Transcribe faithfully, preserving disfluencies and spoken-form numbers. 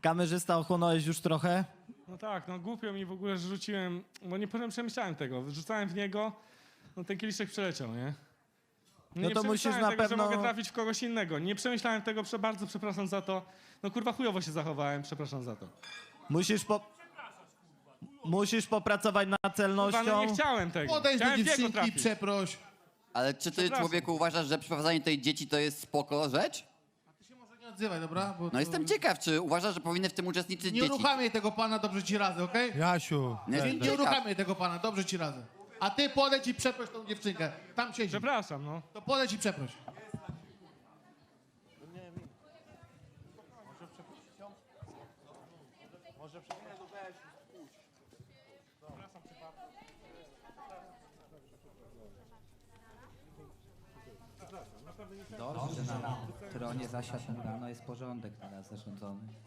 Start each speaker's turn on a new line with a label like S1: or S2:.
S1: Kamerzysta, ochłonąłeś już trochę?
S2: No tak, no głupio mi w ogóle, że rzuciłem, bo nie przemyślałem tego. Rzucałem w niego, no ten kieliszek przeleciał, nie?
S1: No
S2: nie
S1: to musisz
S2: przemyślałem
S1: na
S2: tego,
S1: pewno-
S2: że mogę trafić w kogoś innego. Nie przemyślałem tego, prze- bardzo przepraszam za to. No kurwa chujowo się zachowałem, przepraszam za to.
S1: Musisz po... Musisz popracować nad
S2: Kurwa,
S1: celnością.
S2: no nie chciałem tego.
S3: Podejdź do
S2: Chciałem w jego
S3: dziewczynki,
S2: trafić.
S3: przeproś.
S4: Ale czy ty,
S2: Przepraszam.
S4: człowieku, uważasz, że przyprowadzanie tej dzieci to jest spoko rzecz?
S3: Ty się może nie odzywaj, dobra? Bo
S4: No
S3: to-
S4: jestem ciekaw, czy uważasz, że powinny w tym uczestniczyć
S3: Nie
S4: dzieci?
S3: uruchamiaj tego pana, dobrze ci radzę, okej?
S5: Jasiu,
S4: Nie,
S3: Nie,
S4: jestem
S3: nie
S4: ciekaw.
S3: uruchamiaj tego pana, dobrze ci radzę. A ty podejdź i przeproś tą dziewczynkę. Tam siedzi.
S2: Przepraszam, no.
S3: To podejdź i przeproś.
S6: Dobrze, że na tronie zasiadł rano, jest porządek teraz zarządzony.